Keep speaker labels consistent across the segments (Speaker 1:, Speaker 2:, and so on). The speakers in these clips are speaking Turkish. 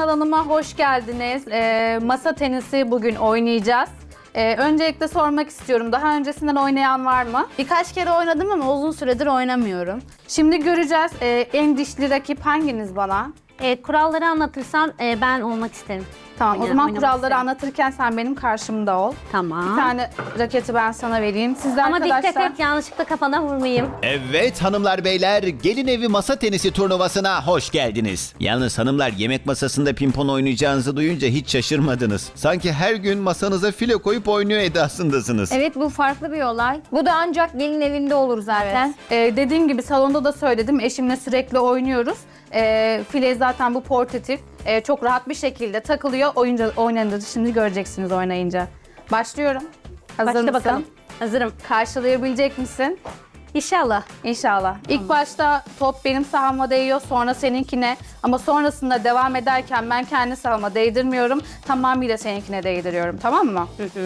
Speaker 1: kanalıma hoş geldiniz. Masa tenisi bugün oynayacağız. Öncelikle sormak istiyorum. Daha öncesinden oynayan var mı?
Speaker 2: Birkaç kere oynadım ama uzun süredir oynamıyorum.
Speaker 1: Şimdi göreceğiz. En dişli rakip hanginiz bana?
Speaker 3: Kuralları anlatırsan ben olmak isterim.
Speaker 1: Tamam, o zaman
Speaker 3: oynamak
Speaker 1: kuralları
Speaker 3: isterim.
Speaker 1: anlatırken sen benim karşımda ol.
Speaker 3: Tamam.
Speaker 1: Bir tane raketi ben sana vereyim. Siz de
Speaker 3: Ama
Speaker 1: arkadaşlar...
Speaker 3: dikkat et, yanlışlıkla kafana vurmayayım.
Speaker 4: Evet hanımlar beyler, gelin evi masa tenisi turnuvasına hoş geldiniz. Yalnız hanımlar, yemek masasında pimpon oynayacağınızı duyunca hiç şaşırmadınız. Sanki her gün masanıza file koyup oynuyor edasındasınız.
Speaker 2: Evet, bu farklı bir olay. Bu da ancak gelin evinde olur zaten.
Speaker 1: Dediğim gibi salonda da söyledim. Eşimle sürekli oynuyoruz. File zaten bu portatif. Çok rahat bir şekilde takılıyor. Oynanınca şimdi göreceksiniz oynayınca. Başlıyorum. Hazır
Speaker 3: Başla
Speaker 1: mısın?
Speaker 3: bakalım. Hazırım.
Speaker 1: Karşılayabilecek misin?
Speaker 3: İnşallah.
Speaker 1: İnşallah. İlk başta top benim sahama değiyor, sonra seninkine. Ama sonrasında devam ederken ben kendi sahama değdirmiyorum. Tamamıyla seninkine değdiriyorum. Tamam mı?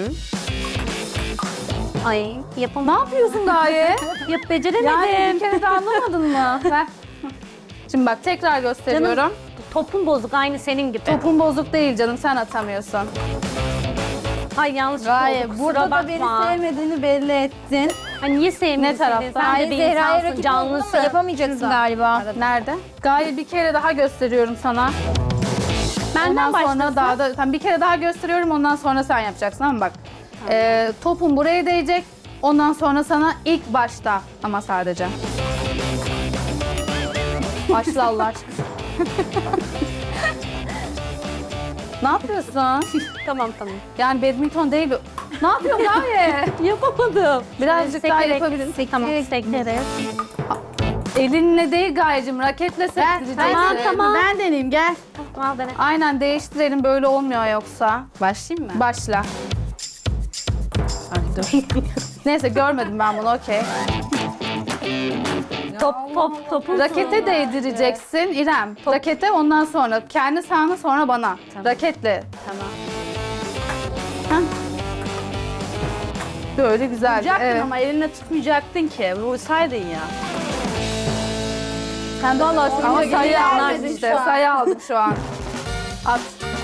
Speaker 3: Ay
Speaker 1: Ne
Speaker 3: yapamam.
Speaker 1: yapıyorsun Gaye?
Speaker 3: Beceremedim.
Speaker 1: Yani bir kere de anlamadın mı? Ver. Şimdi bak tekrar gösteriyorum.
Speaker 3: Canım, topun bozuk aynı senin gibi.
Speaker 1: Topun bozuk değil canım, sen atamıyorsun.
Speaker 3: Ay yanlış
Speaker 2: Gaye,
Speaker 3: oldu.
Speaker 2: burada
Speaker 3: Kusura
Speaker 2: da beni
Speaker 3: bakma.
Speaker 2: sevmediğini belli ettin.
Speaker 3: Hani niye sevmiyorsun?
Speaker 1: Ne tarafta?
Speaker 3: Sen de
Speaker 2: Gaye
Speaker 3: bir
Speaker 2: Zehra'ya
Speaker 3: insansın,
Speaker 2: rakip oldun
Speaker 3: canlısın.
Speaker 2: ama yapamayacaksın galiba.
Speaker 1: Nerede? Gaye bir kere daha gösteriyorum sana.
Speaker 3: Benden
Speaker 1: Ondan sonra
Speaker 3: başlasın.
Speaker 1: daha da tamam, bir kere daha gösteriyorum, ondan sonra sen yapacaksın ama bak. Topun buraya değecek. Ondan sonra sana ilk başta ama sadece. Başla Allah aşkına. Ne yapıyorsun?
Speaker 3: Tamam.
Speaker 1: Yani badminton değil bu. Ne yapıyorsun Gaye?
Speaker 3: Yapamadım.
Speaker 1: Birazcık daha yapabilirsin.
Speaker 3: Tamam, sekleriz.
Speaker 1: Elinle değil Gayecim, raketle sektireceksin.
Speaker 3: Tamam.
Speaker 2: Ben deneyeyim, gel.
Speaker 3: Al dene.
Speaker 1: Aynen, değiştirelim, böyle olmuyor yoksa.
Speaker 2: Başlayayım mı?
Speaker 1: Başla. Neyse, görmedim ben bunu, okey.
Speaker 3: Topu.
Speaker 1: Rakete değdireceksin İrem. Rakete, ondan sonra kendi sahana, sonra bana. Raketle.
Speaker 3: Tamam.
Speaker 1: Böyle güzel.
Speaker 2: Tutacaktın
Speaker 1: Evet.
Speaker 2: ama elinle tutmayacaktın ki. Vursaydın ya.
Speaker 1: Sen de Allah
Speaker 2: Ama
Speaker 1: sayı
Speaker 2: sayı
Speaker 1: aldın
Speaker 2: aldın
Speaker 1: işte.
Speaker 2: şu an.
Speaker 1: Sayı aldım şu an. At.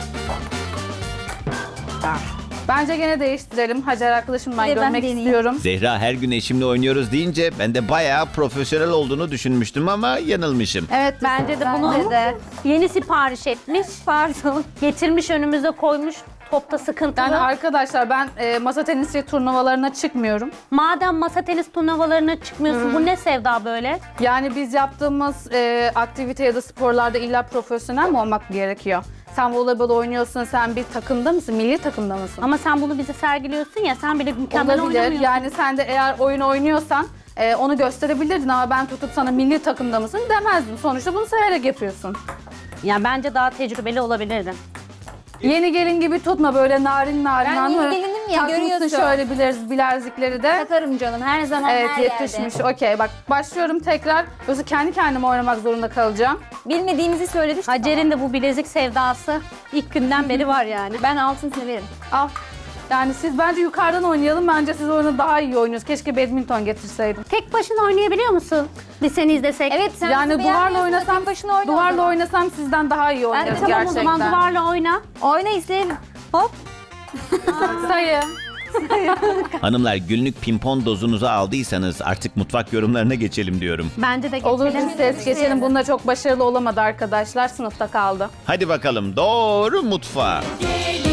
Speaker 1: Bence gene değiştirelim. Hacer arkadaşım, ben
Speaker 2: Bir de ben
Speaker 1: görmek
Speaker 2: deneyeyim.
Speaker 1: istiyorum.
Speaker 4: Zehra her gün eşimle oynuyoruz deyince ben de bayağı profesyonel olduğunu düşünmüştüm ama yanılmışım.
Speaker 1: Evet.
Speaker 3: Bence de bunu yeni sipariş etmiş. Pardon. Getirmiş önümüze koymuş. Topta sıkıntılı.
Speaker 1: Yani arkadaşlar, ben masa tenisi turnuvalarına çıkmıyorum.
Speaker 3: Madem masa tenis turnuvalarına çıkmıyorsun, bu ne sevda böyle?
Speaker 1: Yani biz yaptığımız aktivite ya da sporlarda illa profesyonel mi olmak gerekiyor? Sen voleybol oynuyorsun, sen bir takımda mısın? Milli takımda mısın?
Speaker 3: Ama sen bunu bize sergiliyorsun ya, sen bile mükemmel
Speaker 1: Olabilir.
Speaker 3: oynamıyorsun.
Speaker 1: Yani sen de eğer oyun oynuyorsan onu gösterebilirdin ama ben tutup sana milli takımda mısın demezdim. Sonuçta bunu severek yapıyorsun.
Speaker 3: Yani bence daha tecrübeli olabilirdin.
Speaker 1: Yeni gelin gibi tutma, böyle narin narin.
Speaker 2: Ben
Speaker 1: anladın
Speaker 2: yeni
Speaker 1: mı?
Speaker 2: gelinim ya,
Speaker 1: Takmışsın
Speaker 2: görüyorsun.
Speaker 1: şöyle bilezikleri de.
Speaker 2: Takarım canım, her zaman
Speaker 1: Evet,
Speaker 2: her
Speaker 1: yetişmiş.
Speaker 2: yerde.
Speaker 1: Okey, bak başlıyorum tekrar. Yoksa kendi kendime oynamak zorunda kalacağım.
Speaker 2: Bilmediğimizi söyledik.
Speaker 3: Hacer'in de bu bilezik sevdası ilk günden beri var yani.
Speaker 2: Ben altın severim.
Speaker 1: Al. Yani siz bence yukarıdan oynayalım. Bence siz oyunu daha iyi oynuyorsunuz. Keşke badminton getirseydim.
Speaker 3: Tek başına oynayabiliyor musun? Biz seni izlesek.
Speaker 2: Evet, sen
Speaker 1: Yani
Speaker 2: bizi
Speaker 1: duvarla
Speaker 2: beğenmiyorsun,
Speaker 1: oynasam,
Speaker 2: tek başına oyna o
Speaker 1: duvarla
Speaker 2: zaman.
Speaker 1: oynasam sizden daha iyi oynarız
Speaker 3: Tamam,
Speaker 1: gerçekten.
Speaker 3: o zaman duvarla oyna.
Speaker 2: Oyna izleyelim. Hop.
Speaker 1: Sayı.
Speaker 4: Hanımlar, günlük pimpon dozunuzu aldıysanız artık mutfak yorumlarına geçelim diyorum.
Speaker 3: Bence de
Speaker 1: Olur,
Speaker 3: geçelim.
Speaker 1: bir ses geçelim. Bunda çok başarılı olamadı arkadaşlar. Sınıfta kaldı.
Speaker 4: Hadi bakalım, doğru mutfağa.
Speaker 5: Gelin